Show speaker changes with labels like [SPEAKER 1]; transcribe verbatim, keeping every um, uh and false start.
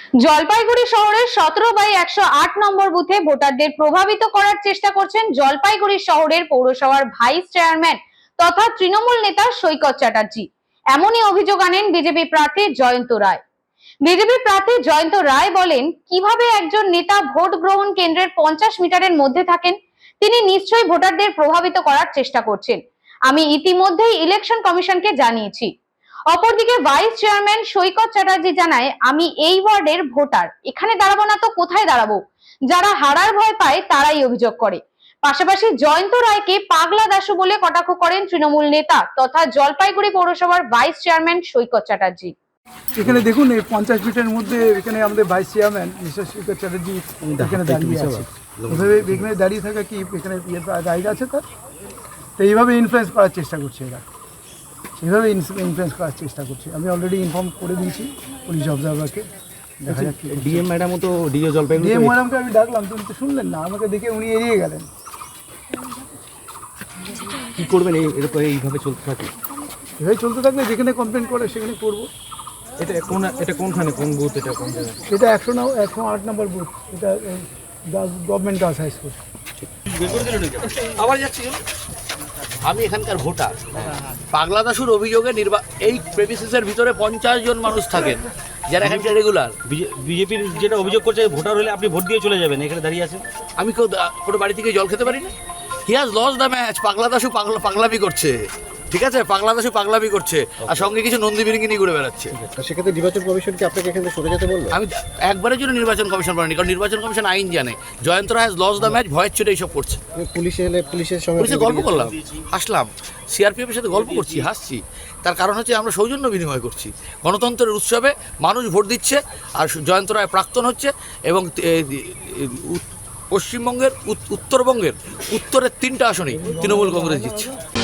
[SPEAKER 1] জলপাইগুড়ি শহরের সতেরো বাই একশো আট নম্বর বুথে ভোটারদের প্রভাবিত করার চেষ্টা করছেন জলপাইগুড়ি শহরের পৌরসভার ভাইস চেয়ারম্যান তথা তৃণমূল নেতা সৈকত চ্যাটার্জি। এমনই অভিযোগ আনেন বিজেপি প্রার্থী জয়ন্ত রায়। বিজেপি প্রার্থী জয়ন্ত রায় বলেন, কিভাবে একজন নেতা ভোট গ্রহণ কেন্দ্রের পঞ্চাশ মিটারের মধ্যে থাকেন, তিনি নিশ্চয়ই ভোটারদের প্রভাবিত করার চেষ্টা করছেন। আমি ইতিমধ্যেই ইলেকশন কমিশনকে জানিয়েছি। অপরদিকে ভাইস চেয়ারম্যান সৈকত চ্যাটার্জি জানায়, আমি এই ওয়ার্ডের ভোটার, এখানে দাঁড়াবো না তো কোথায় দাঁড়াবো? যারা হারার ভয় পায় তারাই অভিযোগ করে। পাশাপাশি জয়ন্ত রায়কে পাগলা দাশু বলে কটাক্ষ করেন তৃণমূল নেতা তথা জলপাইগুড়ি পৌরসভার ভাইস চেয়ারম্যান সৈকত চ্যাটার্জি।
[SPEAKER 2] এখানে দেখুন, এই পঞ্চাশ মিটারের মধ্যে এখানে আমাদের vice chairman mister Saikat Chatterjee এখানে দাঁড়িয়ে আছে। এভাবে এখানে দাঁড়িয়ে থাকা কি এখানে দাঁড়িয়ে আছে তার? তো এইভাবে ইনফ্লুয়েন্স করার চেষ্টা করছে এরা, এইভাবে ইনফ্লুয়েন্স করার চেষ্টা করছে। আমি অলরেডি ইনফর্ম করে দিয়েছি পুলিশ অবজারভারকে। দেখা যাক
[SPEAKER 3] ডিএম ম্যাডামও তো ডিও জলপাইগুড়ি
[SPEAKER 2] ডিএম ম্যাডামকে আমি ডাকলাম, তুমি তো শুনলেন না, আমাকে দেখে উনি এড়িয়ে গেলেন।
[SPEAKER 3] কী করবেন এই এরকম এইভাবে চলতে থাকে?
[SPEAKER 2] এভাবে চলতে থাকলে যেখানে কমপ্লেন করে সেখানে করবো।
[SPEAKER 3] এটা কোন এটা কোনখানে কোন বুথ, এটা কোন জায়গায়?
[SPEAKER 2] এটা একশো ন একশো আট নম্বর বুথ, এটা গভর্নমেন্ট গার্লস হাই স্কুল।
[SPEAKER 4] আবার যাচ্ছি, আমি এখানকার ভোটার। পাগলা দাশুর অভিযোগে নির্বা এই প্রেমিসিসের ভিতরে পঞ্চাশ জন মানুষ থাকেন যারা এখানকার রেগুলার।
[SPEAKER 3] বিজেপির যেটা অভিযোগ করছে, ভোটার হলে আপনি ভোট দিয়ে চলে যাবেন, এখানে দাঁড়িয়ে আছেন।
[SPEAKER 4] আমি কেউ কোনো বাড়ি থেকে জল খেতে পারি না। He has lost the match. পাগলা দাশু পাগলা পাগলামি করছে, ঠিক আছে? পাগলা দাশু পাগলামি করছে, আর সঙ্গে কিছু নন্দী বিরিঙ্গি নিয়ে ঘুরে বেড়াচ্ছে।
[SPEAKER 3] সেক্ষেত্রে নির্বাচন কমিশন কি আপনাকে এখান থেকে সরে যেতে বললো?
[SPEAKER 4] আমি একবারের জন্য নির্বাচন কমিশন বলেনি, কারণ নির্বাচন কমিশন আইন জানে। Jayanta Ray has lost the match, ভয়ের চোটে এইসব করছে।
[SPEAKER 3] পুলিশে এলে পুলিশের সঙ্গে
[SPEAKER 4] পুলিশে গল্প করলাম, আসলাম, সিআরপিএফের সাথে গল্প করছি, হাসছি। তার কারণ হচ্ছে আমরা সৌজন্য বিনিময় করছি। গণতন্ত্রের উৎসবে মানুষ ভোট দিচ্ছে, আর জয়ন্ত রায় প্রাক্তন হচ্ছে, এবং পশ্চিমবঙ্গের উত্তরবঙ্গের উত্তরের তিনটা আসনেই তৃণমূল কংগ্রেস জিতছে।